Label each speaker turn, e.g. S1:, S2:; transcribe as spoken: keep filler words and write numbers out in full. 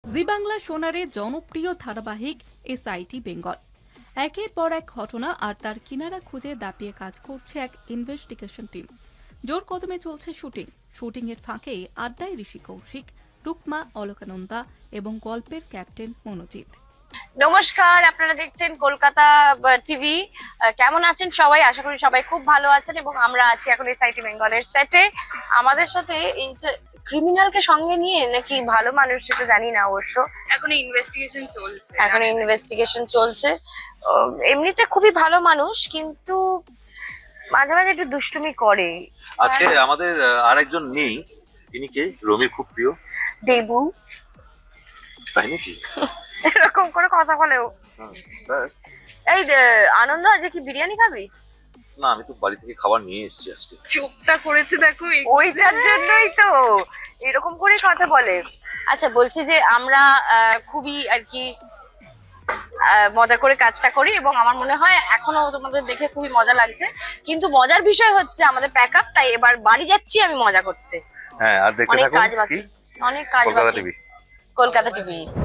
S1: জি বাংলা সোনারে জনপ্রিয় ধারাবাহিক এসআইটি বেঙ্গল। একের পর এক ঘটনা আর তার কিনারা খুঁজে দাপিয়ে কাজ করছে এক ইনভেস্টিগেশন টিম। জোর কদমে চলছে শুটিং। শুটিং এর ফাঁকে আড্ডায় ঋষি কৌশিক, রুকমা অলকানন্দা এবং গল্পের ক্যাপ্টেন মনোজিৎ।
S2: নমস্কার, আপনারা দেখছেন কলকাতা টিভি। কেমন আছেন সবাই? আশা করি সবাই খুব ভালো আছেন এবং আমরা আছি এখন এসআইটি বেঙ্গলের সেটে। আমাদের সাথে এই যে ক্রিমিনালকে সঙ্গে নিয়ে নাকি ভালো মানুষ, সেটা জানি না অবশ্য।
S3: এখন ইনভেস্টিগেশন চলছে
S2: এখন ইনভেস্টিগেশন চলছে। উম, এমনিতে খুবই ভালো মানুষ, কিন্তু মাঝে মাঝে একটু দুষ্টুমি করে।
S4: আজকে আমাদের আহ, আরেকজন নেই, তিনি কে? রমির খুব প্রিয়
S2: দেবু
S4: তাই নাকি?
S2: এরকম করে কথা বলেও।
S4: হুম, স্যার।
S2: এই যে, আনন্দ, আজকে কি বিরিয়ানি খাবি?
S4: না, আমি তো বাড়ি থেকে খাবার নিয়ে এসেছি আজকে।
S3: চোখটা করেছে দেখো এই-
S2: ওইটার জন্যই তো এরকম করে কথা বলে। আচ্ছা, বলছি যে আমরা আহ, খুবই আর কি আহ, মজা করে কাজটা করি এবং আমার মনে হয় এখনো তোমাদের দেখে খুবই মজা লাগছে। কিন্তু মজার বিষয় হচ্ছে আমাদের প্যাক আপ, তাই এবার বাড়ি যাচ্ছি আমি মজা করতে।
S4: হ্যাঁ, আর দেখতে
S2: অনেক
S4: থাকুন
S2: কাজ বাকি,
S4: কি?
S2: অনেক কাজ
S4: কলকাতা
S2: বাকি।
S4: টিভি।
S2: কলকাতা টিভি।